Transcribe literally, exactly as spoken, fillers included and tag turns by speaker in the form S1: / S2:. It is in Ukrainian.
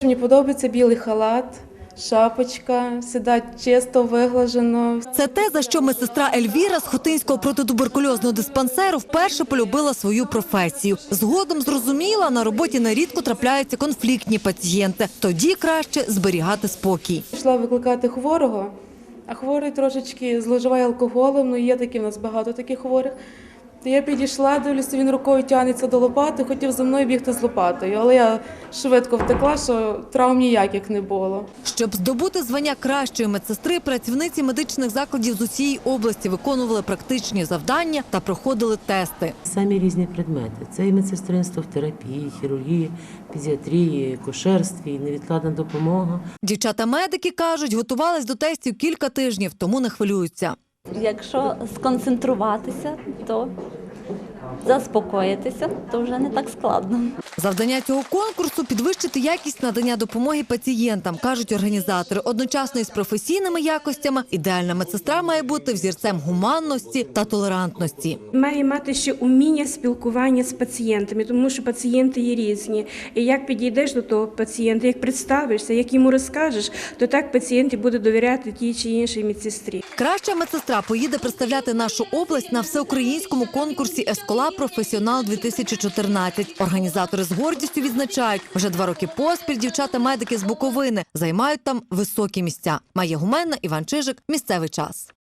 S1: Мені подобається білий халат, шапочка, сідати чисто, виглажено.
S2: Це те, за що медсестра Ельвіра з Хотинського протитуберкульозного диспансеру вперше полюбила свою професію. Згодом зрозуміла, на роботі нерідко трапляються конфліктні пацієнти. Тоді краще зберігати спокій.
S1: Пішла викликати хворого, а хворий трошечки зловживає алкоголем, ну є такі в нас багато таких хворих. То я підійшла, дивлюся, він рукою тягнеться до лопати, хотів за мною бігти з лопатою, але я швидко втекла, що травм ніяких не було.
S2: Щоб здобути звання кращої медсестри, працівниці медичних закладів з усієї області виконували практичні завдання та проходили тести.
S3: Самі різні предмети. Це і медсестринство в терапії, хірургії, педіатрії, кошерстві, невідкладна допомога.
S2: Дівчата-медики кажуть, готувались до тестів кілька тижнів, тому не хвилюються.
S4: Якщо сконцентруватися, то заспокоїтися, то вже не так складно.
S2: Завдання цього конкурсу – підвищити якість надання допомоги пацієнтам, кажуть організатори. Одночасно із професійними якостями ідеальна медсестра має бути взірцем гуманності та толерантності.
S5: Має мати ще уміння спілкування з пацієнтами, тому що пацієнти є різні. І як підійдеш до того пацієнта, як представишся, як йому розкажеш, то так пацієнт і буде довіряти тій чи іншій медсестрі.
S2: Краща медсестра поїде представляти нашу область на всеукраїнському конкурсі «Ескола Професіонал-дві тисячі чотирнадцять». Організатори з гордістю відзначають, вже два роки поспіль дівчата-медики з Буковини займають там високі місця. Майя Гуменна, Іван Чижик. Місцевий час.